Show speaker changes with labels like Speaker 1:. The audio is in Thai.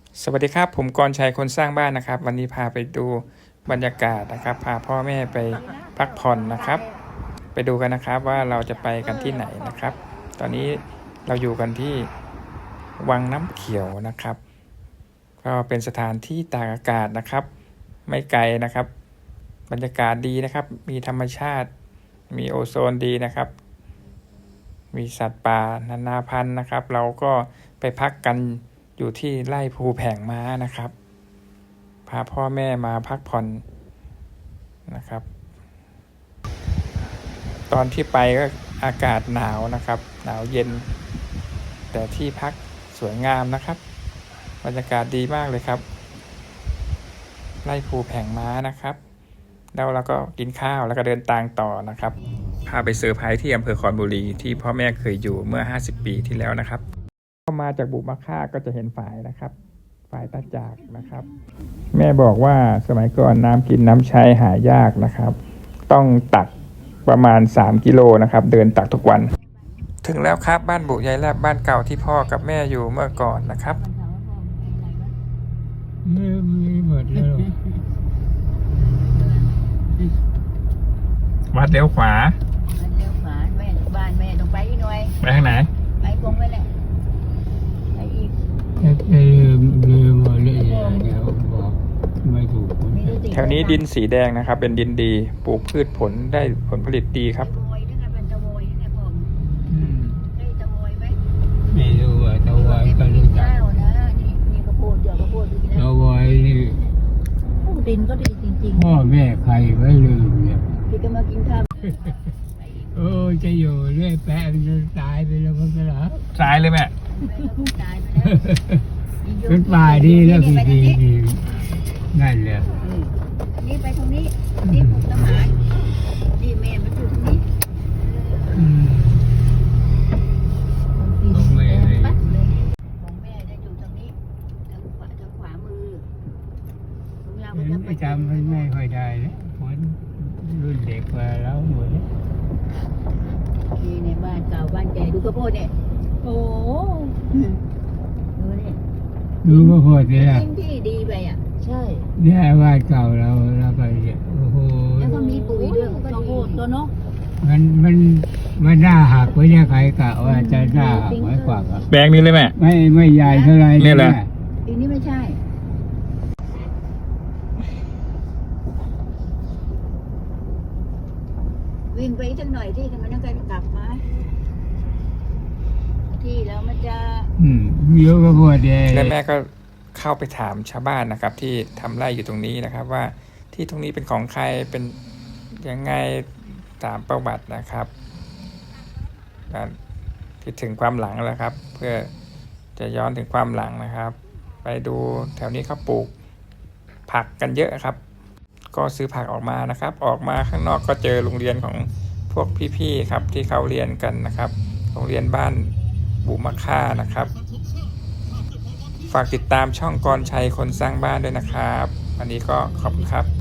Speaker 1: สวัสดีครับผมกรชัยคนสร้างบ้านนะครับวันนี้พาไปดูบรรยากาศนะครับพาพ่อแม่ไปพักผ่อนนะครับไปดูกันนะครับว่าเราจะไปกันที่ไหนนะครับตอนนี้เราอยู่กันที่วังน้ำเขียวนะครับก็เป็นสถานที่ตากอากาศนะครับไม่ไกลนะครับบรรยากาศดีนะครับมีธรรมชาติมีโอโซนดีนะครับมีสัตว์ป่านานาพันธุ์นะครับเราก็ไปพักกันอยู่ที่ไร่ภูแผงม้านะครับพาพ่อแม่มาพักผ่อนนะครับตอนที่ไปก็อากาศหนาวนะครับหนาวเย็นแต่ที่พักสวยงามนะครับบรรยากาศดีมากเลยครับไร่ภูแผงม้านะครับแล้วเราก็กินข้าวแล้วก็เดินทางต่อนะครับพาไปเซอร์ไพรส์ที่อำเภอคอนบุรีที่พ่อแม่เคยอยู่เมื่อ50 ปีที่แล้วนะครับเข้ามาจากบุมะค่าก็จะเห็นฝายนะครับฝายตาจากนะครับแม่บอกว่าสมัยก่อนน้ำกินน้ำใช้หายากนะครับต้องตักประมาณ3 กิโลนะครับเดินตักทุกวันถึงแล้วครับบ้านบุยายแลบบ้านเก่าที่พ่อกับแม่อยู่เมื่อก่อนนะครับ
Speaker 2: ไม่หมดแล้ว
Speaker 1: วัดเลี้ยวขวา
Speaker 3: เลี้ยวขวาแม่บ้านแม่ต้องไปอีกหน่อย
Speaker 1: ไปทางไหน
Speaker 3: ไปกงไปแหละไปอีก
Speaker 2: ลืมหมดเลยเดี๋ยวบอกไม่ถูก
Speaker 3: ไม่รู้สิ
Speaker 1: แถวนี้ดินสีแดงนะครับเป็นดินดีปลูกพืชผลได้ผลผลิตดีครับ
Speaker 3: ตะโวยนะคะเป็นตะโวยเนี่ยผมได้ตะโวยไหม
Speaker 2: ไม่รู้ว่าตะวันก็รู้จัก
Speaker 3: ข้าวนะนี่มีข้าวโพดเดี๋ยวข้าวโพดดูสิ
Speaker 2: ตะ
Speaker 3: นะ
Speaker 2: วันนี่
Speaker 3: ดินก็ดีจริง
Speaker 2: พ่อแม่ใครไว้ลืมเนี่ย
Speaker 3: ๆพี่ก็มากินข้าว
Speaker 2: โอ้จะอยู่เรื่อยแปะมันจะตายไปแล้วมันก็เหรอ
Speaker 1: ซ้ายเลยแม่
Speaker 3: แม่ก็เพิ่งตายไปแล้ว
Speaker 2: เป็นป่าดีแล้วดีดีนั่นแหละ
Speaker 3: อันนี้ไปตรงนี้นี่ปลูกต้นไม้นี่แม่มันอยู่ตรงนี้ของแม่จะอยู่ตรงนี้ทางขวามือของเราก็จะไป
Speaker 2: ประจำไม่ค่อยได้นะคนรุ่นเด็กกว่าเราหมด
Speaker 3: นี่ในบ้านเก่าบ้านแกดูข้าวโพดเนี่ยโอ้ดูนี่
Speaker 2: ดูก็พอดีละ
Speaker 3: ทิ้งที่ดีไปอ่ะใช่
Speaker 2: เนี่ยบ้านเก่าเราไปเนี่ยโอ้โห
Speaker 3: แล้วก็มีปุ๋ยด้วยข้าวโพดตัวเนาะ
Speaker 2: มันน่าหักไว้เนี่ยใครกะว่าจะน่าหักไว้กว่าก็
Speaker 1: แบงนี้เลยแม่
Speaker 2: ไม่ใหญ่เท่าไร
Speaker 1: เนี่ยแหละ
Speaker 3: ปีนี้ไม่ใช่ วิ่งไปสักหน่อยที่ทำไมต้องการกลับมาที่แล้วมันจะ
Speaker 2: เยอะก็พอดี
Speaker 1: และแม่ก็เข้าไปถามชาวบ้านนะครับที่ทำไร่อยู่ตรงนี้นะครับว่าที่ตรงนี้เป็นของใครเป็นยังไงตามประวัตินะครับคิดถึงความหลังแล้วครับเพื่อจะย้อนถึงความหลังนะครับ ไปดูแถวนี้เขาปลูกผักกันเยอะครับก็ซื้อผักออกมานะครับออกมาข้างนอกก็เจอโรงเรียนของพวกพี่ๆครับที่เขาเรียนกันนะครับโรงเรียนบ้านบุมะค่านะครับฝากติดตามช่องกรชัยคนสร้างบ้านด้วยนะครับวันนี้ก็ขอบคุณครับ